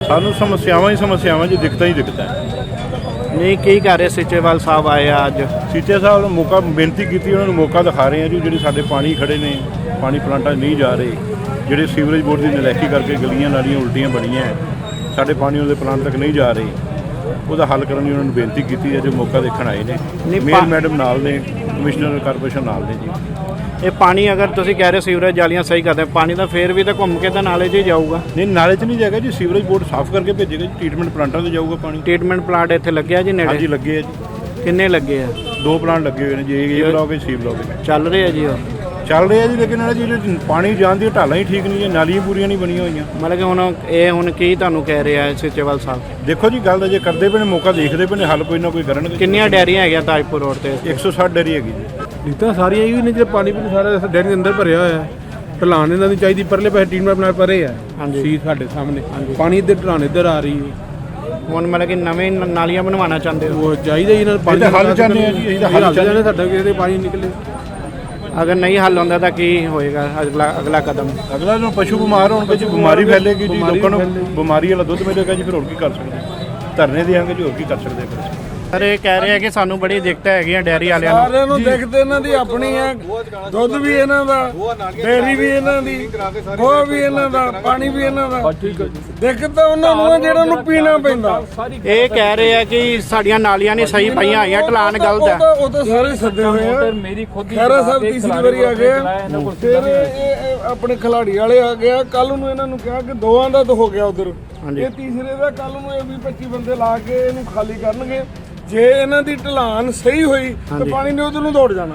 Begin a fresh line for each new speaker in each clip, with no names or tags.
ਸਾਨੂੰ ਸਮੱਸਿਆਵਾਂ ਜੀ, ਦਿੱਕਤਾਂ ਹੀ ਦਿੱਕਤਾਂ।
ਨਹੀਂ ਕੀ ਕਰ ਰਹੇ ਸੀਚੇਵਾਲ ਸਾਹਿਬ ਆਏ ਆ ਅੱਜ?
ਸੀਚੇ ਸਾਹਿਬ ਨੂੰ ਮੌਕਾ ਬੇਨਤੀ ਕੀਤੀ, ਉਹਨਾਂ ਨੂੰ ਮੌਕਾ ਦਿਖਾ ਰਹੇ ਆ ਜੀ। ਜਿਹੜੇ ਸਾਡੇ ਪਾਣੀ ਖੜੇ ਨੇ, ਪਾਣੀ ਪਲਾਂਟਾਂ 'ਚ ਨਹੀਂ ਜਾ ਰਹੇ, ਜਿਹੜੇ ਸੀਵਰੇਜ ਬੋਰਡ ਦੀ ਨਲਾਇਕੀ ਕਰਕੇ ਗਲੀਆਂ ਨਾਲੀਆਂ ਉਲਟੀਆਂ ਬਣੀਆਂ, ਸਾਡੇ ਪਾਣੀ ਉਹਦੇ ਪਲਾਂਟ ਤੱਕ ਨਹੀਂ ਜਾ ਰਹੇ, ਉਹਦਾ ਹੱਲ ਕਰਨ ਦੀ ਉਹਨਾਂ ਨੂੰ ਬੇਨਤੀ ਕੀਤੀ ਹੈ। ਜੋ ਮੌਕਾ ਦੇਖਣ ਆਏ ਨੇ, ਮੇਅਰ ਮੈਡਮ ਨਾਲ ਨੇ, ਕਮਿਸ਼ਨਰ ਕਾਰਪੋਰੇਸ਼ਨ ਨਾਲ ਨੇ ਜੀ।
ਇਹ ਪਾਣੀ ਅਗਰ ਤੁਸੀਂ ਕਹਿ ਰਹੇ ਸੀਵਰੇਜ ਜਾਲੀਆਂ ਸਹੀ ਕਰਦੇ, ਪਾਣੀ ਤਾਂ ਫੇਰ ਵੀ ਤਾਂ ਘੁੰਮ ਕੇ ਤਾਂ ਨਾਲੇ 'ਚ ਹੀ ਜਾਊਗਾ।
ਨਹੀਂ, ਨਾਲੇ 'ਚ ਨਹੀਂ ਜਾਏਗਾ ਜੀ, ਸੀਵਰੇਜ ਬੋਰਡ ਸਾਫ਼ ਕਰਕੇ ਭੇਜੇਗਾ ਜੀ, ਟ੍ਰੀਟਮੈਂਟ ਪਲਾਂਟਾਂ 'ਤੇ ਜਾਊਗਾ ਪਾਣੀ।
ਟ੍ਰੀਟਮੈਂਟ ਪਲਾਂਟ ਇੱਥੇ ਲੱਗਿਆ ਜੀ ਨੇੜੇ?
ਹਾਂਜੀ ਲੱਗੇ ਆ ਜੀ।
ਕਿੰਨੇ ਲੱਗੇ ਆ?
2 ਪਲਾਂਟ ਲੱਗੇ ਹੋਏ ਨੇ ਜੀ, ਇਹ ਬਲਾਕ ਸੀ ਬਲਾਕ
ਚੱਲ ਰਹੇ ਆ ਜੀ? ਉਹ
ਚੱਲ ਰਹੇ ਆ ਜੀ, ਲੇਕਿਨ ਇਹਨਾਂ ਜੀ ਪਾਣੀ ਜਾਣ ਦੀਆਂ ਢਾਲਾਂ ਹੀ ਠੀਕ ਨਹੀਂ ਹੈ, ਨਾਲੀਆਂ ਪੂਰੀਆਂ ਨਹੀਂ ਬਣੀਆਂ ਹੋਈਆਂ।
ਮਤਲਬ ਕਿ ਹੁਣ ਕੀ ਤੁਹਾਨੂੰ ਕਹਿ ਰਿਹਾ ਸੀਚੇਵਾਲ ਸਾਹਿਬ?
ਦੇਖੋ ਜੀ, ਗੱਲ ਤਾਂ ਜੇ ਕਰਦੇ ਪਏ ਨੇ, ਮੌਕਾ ਦੇਖਦੇ ਪਏ ਨੇ, ਹੱਲ ਕੋਈ ਨਾ ਕੋਈ ਕਰਨਗੇ।
ਕਿੰਨੀਆਂ ਡੈਰੀਆਂ ਹੈਗੀਆਂ ਤਾਜਪੁਰ ਰੋਡ ਤੇ?
160 ਡੈਰੀ ਹੈਗੀ ਜੀ।
ਨੀਤਾਂ ਸਾਰੀਆਂ ਹੀ ਨੇ, ਜੇ ਪਾਣੀ ਸਾਰਾ ਡੈਰੀ ਦੇ ਅੰਦਰ ਭਰਿਆ ਹੋਇਆ। ਢਲਾਨ ਇਹਨਾਂ ਦੀ ਚਾਹੀਦੀ, ਪਰਲੇ ਪਾਸੇ ਟੀਮ ਨਾਲ ਪਰੇ ਆ ਸੀ ਸਾਡੇ ਸਾਹਮਣੇ, ਪਾਣੀ ਇੱਧਰ ਢਲਾਨ ਇੱਧਰ ਆ ਰਹੀ ਹੈ।
ਹੁਣ ਮਤਲਬ ਕਿ ਨਵੇਂ ਨਾਲੀਆਂ ਬਣਵਾਉਣਾ ਚਾਹੁੰਦੇ ਹੋ?
ਉਹ ਚਾਹੀਦਾ ਜੀ, ਇਹਨਾਂ ਨੂੰ ਪਾਣੀ
ਹੱਲ ਚਾਹੁੰਦੇ ਆ ਜੀ, ਇਹਦਾ ਹੱਲ ਚਾਹੁੰਦੇ।
ਸਾਡਾ ਕਿਸੇ ਪਾਣੀ ਨਿਕਲੇ।
ਅਗਰ ਨਹੀਂ ਹੱਲ ਹੁੰਦਾ ਤਾਂ ਕੀ ਹੋਏਗਾ ਅਗਲਾ ਕਦਮ?
ਅਗਲਾ ਨੂੰ ਪਸ਼ੂ ਬਿਮਾਰ ਹੋਣਗੇ ਜੀ, ਬਿਮਾਰੀ ਫੈਲੇਗੀ ਜੀ, ਲੋਕਾਂ ਨੂੰ ਬਿਮਾਰੀ ਵਾਲਾ ਦੁੱਧ ਮਿਲੇਗਾ ਜੀ, ਫਿਰ ਹੋਰ ਕੀ ਕਰ ਸਕਦੇ? ਧਰਨੇ ਦੇਾਂਗੇ ਜੀ, ਹੋਰ ਕੀ ਕਰ ਸਕਦੇ ਫਿਰ?
ਸਰ ਇਹ ਕਹਿ ਰਹੇ ਆ ਕਿ ਸਾਨੂੰ ਬੜੀ ਦਿੱਕਤ ਹੈਗੀਆਂ ਡੈਰੀ ਵਾਲਿਆਂ ਨੂੰ।
ਸਾਰਿਆਂ ਨੂੰ ਦਿੱਕਤ ਇਹਨਾਂ ਦੀ ਆਪਣੀ ਹੈ, ਦੁੱਧ ਵੀ ਇਹਨਾਂ ਦਾ, ਡੇਅਰੀ ਵੀ ਇਹਨਾਂ ਦੀ, ਗੋਹਾ ਵੀ ਇਹਨਾਂ ਦਾ, ਪਾਣੀ ਵੀ ਇਹਨਾਂ ਦਾ। ਦਿੱਕਤ ਤਾਂ ਉਹਨਾਂ ਨੂੰ ਹੈ ਜਿਹੜਾ ਨੂੰ ਪੀਣਾ ਪੈਂਦਾ।
ਇਹ ਕਹਿ ਰਹੇ ਆ ਕਿ ਸਾਡੀਆਂ ਨਾਲੀਆਂ ਨਹੀਂ ਸਹੀ ਪਈਆਂ ਹੋਈਆਂ, ਢਲਾਨ ਗਲਤ ਹੈ।
ਉਹ ਤਾਂ ਸਾਰੇ ਸੱਦੇ ਹੋਏ ਆ। ਖੈਰਾ ਸਾਹਿਬ ਤੀਸਰੀ ਵਾਰੀ ਆ ਗਏ, ਫਿਰ ਇਹ ਆਪਣੇ ਖਿਲਾੜੀ ਵਾਲੇ ਆ ਗਏ। ਕੱਲ ਨੂੰ ਇਹਨਾਂ ਨੂੰ ਕਿਹਾ ਕਿ 2 ਦਾ ਤਾਂ ਹੋ ਗਿਆ ਉਧਰ, ਇਹ ਤੀਸਰੇ ਦਾ ਕੱਲ ਨੂੰ ਇਹ 20-25 ਬੰਦੇ ਲਾ ਕੇ ਇਹਨੂੰ ਖਾਲੀ ਕਰਨਗੇ। ਜੇ ਇਹਨਾਂ ਦੀ ਢਲਾਨ ਸਹੀ ਹੋਈ ਤਾਂ ਪਾਣੀ ਨੇ ਉਧਰ ਨੂੰ ਦੌੜ ਜਾਣਾ।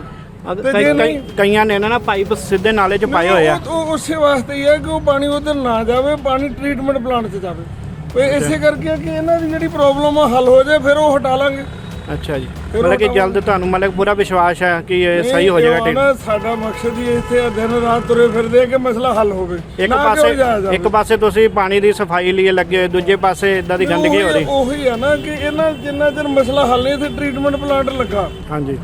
ਕਈਆਂ ਨੇ ਨਾ ਪਾਈਪ ਸਿੱਧੇ ਨਾਲੇ 'ਚ ਪਾਏ ਹੋਏ ਆ।
ਉਹ ਉਸੇ ਵਾਸਤੇ ਹੀ ਹੈ ਕਿ ਉਹ ਪਾਣੀ ਉਧਰ ਨਾ ਜਾਵੇ, ਪਾਣੀ ਟ੍ਰੀਟਮੈਂਟ ਪਲਾਂਟ 'ਚ ਜਾਵੇ। ਇਸੇ ਕਰਕੇ ਕਿ ਇਹਨਾਂ ਦੀ ਜਿਹੜੀ ਪ੍ਰੋਬਲਮ ਆ ਹੱਲ ਹੋ ਜਾਏ, ਫਿਰ ਉਹ ਹਟਾ ਲਾਂਗੇ।
ਅੱਛਾ ਜੀ, ਮਤਲਬ ਕਿ ਜਲਦ ਤੁਹਾਨੂੰ ਮਤਲਬ ਪੂਰਾ ਵਿਸ਼ਵਾਸ ਹੈ ਕਿ ਇਹ ਸਹੀ ਹੋ ਜਾਏਗਾ?
ਸਾਡਾ ਮਕਸਦ ਹੀ ਇੱਥੇ ਦਿਨ ਰਾਤ ਤੁਰੇ ਫਿਰਦੇ ਕਿ ਮਸਲਾ ਹੱਲ ਹੋਵੇ।
ਇੱਕ ਪਾਸੇ ਤੁਸੀਂ ਪਾਣੀ ਦੀ ਸਫਾਈ ਲਈ ਲੱਗੇ ਹੋਏ, ਦੂਜੇ ਪਾਸੇ ਇਦਾਂ ਦੀ ਗੰਦਗੀ ਹੋ ਰਹੀ।
ਉਹੀ ਆ ਨਾ ਕਿ ਇਹਨਾਂ ਜਿੰਨਾ ਚਿਰ ਮਸਲਾ ਹੱਲ ਨਹੀਂ, ਇੱਥੇ ਟ੍ਰੀਟਮੈਂਟ ਪਲਾਂਟ ਲੱਗਾ
ਹਾਂਜੀ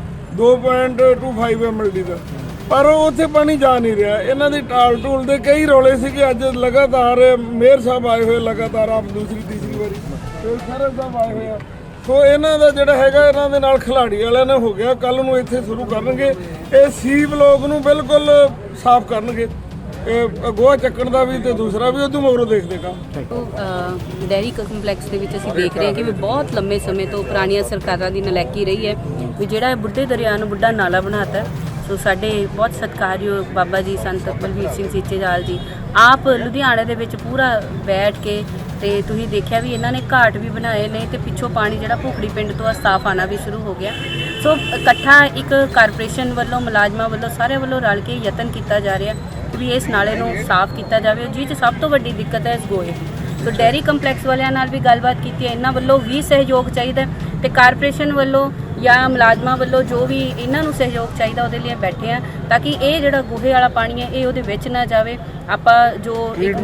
2.25 MLD ਦਾ, ਪਰ ਉੱਥੇ ਪਾਣੀ ਜਾ ਨਹੀਂ ਰਿਹਾ। ਇਹਨਾਂ ਦੀ ਟਾਲ ਟੂਲ ਦੇ ਕਈ ਰੌਲੇ ਸੀ ਕਿ ਅੱਜ ਲਗਾਤਾਰ ਮੇਅਰ ਸਾਹਿਬ ਆਏ ਹੋਏ, ਲਗਾਤਾਰ ਆਪ ਦੂਸਰੀ ਤੀਸਰੀ ਵਾਰੀ ਫਿਰ ਖੈਰਾ ਸਾਹਿਬ ਆਏ ਹੋਏ ਆ। ਸੋ ਇਹਨਾਂ ਦਾ ਜਿਹੜਾ ਹੈਗਾ, ਇਹਨਾਂ ਦੇ ਨਾਲ ਖਿਲਾੜੀ ਵਾਲਿਆਂ ਨੇ ਹੋ ਗਿਆ। ਕੱਲ ਨੂੰ ਇੱਥੇ ਸ਼ੁਰੂ ਕਰਨਗੇ, ਇਹ ਸੀ ਬਲੋਕ ਨੂੰ ਬਿਲਕੁਲ ਸਾਫ਼ ਕਰਨਗੇ, ਇਹ ਗੋਹਾ ਚੱਕਣ ਦਾ ਵੀ ਤੇ ਦੂਸਰਾ ਵੀ ਉਦੋਂ ਮਗਰੋਂ ਦੇਖਦੇ ਕੰਮ।
ਡੈਰੀ ਕੰਪਲੈਕਸ ਦੇ ਵਿੱਚ ਅਸੀਂ ਦੇਖ ਰਹੇ ਹਾਂ ਕਿ ਵੀ ਬਹੁਤ ਲੰਮੇ ਸਮੇਂ ਤੋਂ ਪੁਰਾਣੀਆਂ ਸਰਕਾਰਾਂ ਦੀ ਨਲਾਇਕੀ ਰਹੀ ਹੈ ਵੀ ਜਿਹੜਾ ਬੁੱਢੇ ਦਰਿਆ ਨੂੰ ਬੁੱਢਾ ਨਾਲਾ ਬਣਾਤਾ। ਸੋ ਸਾਡੇ ਬਹੁਤ ਸਤਿਕਾਰਯੋਗ ਬਾਬਾ ਜੀ ਸੰਤ ਬਲਵੀਰ ਸਿੰਘ ਸੀਚੇਵਾਲ ਜੀ ਆਪ ਲੁਧਿਆਣੇ ਦੇ ਵਿੱਚ ਪੂਰਾ ਬੈਠ ਕੇ, ਤੇ ਤੁਸੀਂ ਦੇਖਿਆ ਵੀ ਇਹਨਾਂ ਨੇ ਘਾਟ ਵੀ ਬਣਾਏ ਨੇ, ਤੇ ਪਿੱਛੋਂ ਪਾਣੀ ਜਿਹੜਾ ਭੁਖੜੀ ਪਿੰਡ ਤੋਂ ਸਾਫ਼ ਆਉਣਾ ਵੀ ਸ਼ੁਰੂ ਹੋ ਗਿਆ। ਸੋ ਇਕੱਠਾ ਇੱਕ ਕਾਰਪੋਰੇਸ਼ਨ ਵੱਲੋਂ, ਮੁਲਾਜ਼ਮਾਂ ਵੱਲੋਂ, ਸਾਰਿਆਂ ਵੱਲੋਂ ਰਲ ਕੇ ਯਤਨ ਕੀਤਾ ਜਾ ਰਿਹਾ ਵੀ ਇਸ ਨਾਲੇ ਨੂੰ ਸਾਫ਼ ਕੀਤਾ ਜਾਵੇ। ਜਿਸ 'ਚ ਸਭ ਤੋਂ ਵੱਡੀ ਦਿੱਕਤ ਹੈ ਇਸ ਗੋਹੇ। ਸੋ ਡੈਰੀ ਕੰਪਲੈਕਸ ਵਾਲਿਆਂ ਨਾਲ ਵੀ ਗੱਲਬਾਤ ਕੀਤੀ ਹੈ, ਇਹਨਾਂ ਵੱਲੋਂ ਵੀ ਸਹਿਯੋਗ ਚਾਹੀਦਾ, ਤੇ ਕਾਰਪੋਰੇਸ਼ਨ ਵੱਲੋਂ ਜਾਂ ਮੁਲਾਜ਼ਮਾਂ ਵੱਲੋਂ ਜੋ ਵੀ ਇਹਨਾਂ ਨੂੰ ਸਹਿਯੋਗ ਚਾਹੀਦਾ ਉਹਦੇ ਲਈ ਬੈਠੇ ਆ, ਤਾਂ ਕਿ ਇਹ ਜਿਹੜਾ ਗੋਹੇ ਵਾਲਾ ਪਾਣੀ ਹੈ ਇਹ ਉਹਦੇ ਵਿੱਚ ਨਾ ਜਾਵੇ। ਆਪਾਂ ਜੋ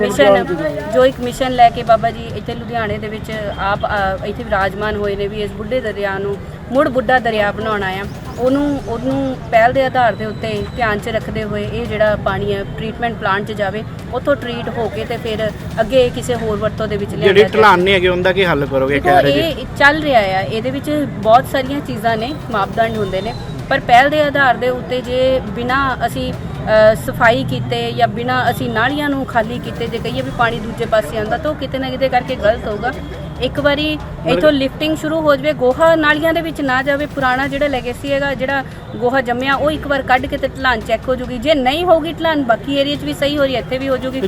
ਇੱਕ ਮਿਸ਼ਨ ਲੈ ਕੇ ਬਾਬਾ ਜੀ ਇੱਥੇ ਲੁਧਿਆਣੇ ਦੇ ਵਿੱਚ ਆਪ ਇੱਥੇ ਵਿਰਾਜਮਾਨ ਹੋਏ ਨੇ ਵੀ ਇਸ ਬੁੱਢੇ ਦਰਿਆ ਨੂੰ ਮੁੜ ਬੁੱਢਾ ਦਰਿਆ ਬਣਾਉਣਾ ਆ, ਉਹਨੂੰ ਪਹਿਲ ਦੇ ਆਧਾਰ ਦੇ ਉੱਤੇ ਧਿਆਨ 'ਚ ਰੱਖਦੇ ਹੋਏ ਇਹ ਜਿਹੜਾ ਪਾਣੀ ਹੈ ਟ੍ਰੀਟਮੈਂਟ ਪਲਾਂਟ 'ਚ ਜਾਵੇ, ਉੱਥੋਂ ਟ੍ਰੀਟ ਹੋ ਕੇ ਤੇ ਫਿਰ ਅੱਗੇ ਕਿਸੇ ਹੋਰ ਵਰਤੋਂ ਦੇ ਵਿੱਚ ਲਿਆਂਦਾ।
ਜਿਹੜੀ ਢਲਾਨ ਨਹੀਂ ਹੈਗੀ ਉਹਦਾ ਕੀ ਹੱਲ ਕਰੋਗੇ? ਕਹਿ ਰਹੇ ਜੀ
ਇਹ ਚੱਲ ਰਿਹਾ ਆ, ਇਹਦੇ ਵਿੱਚ ਬਹੁਤ ਸਾਰੀਆਂ ਚੀਜ਼ਾਂ ਨੇ, ਮਾਪਦੰਡ ਹੁੰਦੇ ਨੇ, ਪਰ ਪਹਿਲ ਦੇ ਆਧਾਰ ਦੇ ਉੱਤੇ ਜੇ ਬਿਨਾਂ ਅਸੀਂ ਸਫਾਈ ਕੀਤੇ ਜਾਂ ਬਿਨਾਂ ਅਸੀਂ ਨਾਲੀਆਂ ਨੂੰ ਖਾਲੀ ਕੀਤੇ ਜੇ ਕਹੀਏ ਵੀ ਪਾਣੀ ਦੂਜੇ ਪਾਸੇ ਆਉਂਦਾ, ਤਾਂ ਉਹ ਕਿਤੇ ਨਾ ਕਿਤੇ ਕਰਕੇ ਗਲਤ ਹੋਊਗਾ। ਇੱਕ ਵਾਰੀ ਇੱਥੋਂ ਲਿਫਟਿੰਗ ਸ਼ੁਰੂ ਹੋ ਜਾਵੇ, ਗੋਹਾ ਨਾਲੀਆਂ ਦੇ ਵਿੱਚ ਨਾ ਜਾਵੇ, ਪੁਰਾਣਾ ਜਿਹੜਾ ਲੈਗੇਸੀ ਹੈਗਾ, ਜਿਹੜਾ ਗੋਹਾ ਜੰਮਿਆ ਉਹ ਇੱਕ ਵਾਰ ਕੱਢ ਕੇ ਤੇ ਢਲਾਨ ਚੈੱਕ ਹੋ ਜੂਗੀ। ਜੇ ਨਹੀਂ ਹੋਊਗੀ ਢਲਾਨ, ਬਾਕੀ ਏਰੀਆ 'ਚ ਵੀ ਸਹੀ ਹੋ ਰਹੀ, ਇੱਥੇ ਵੀ ਹੋ ਜੂਗੀ।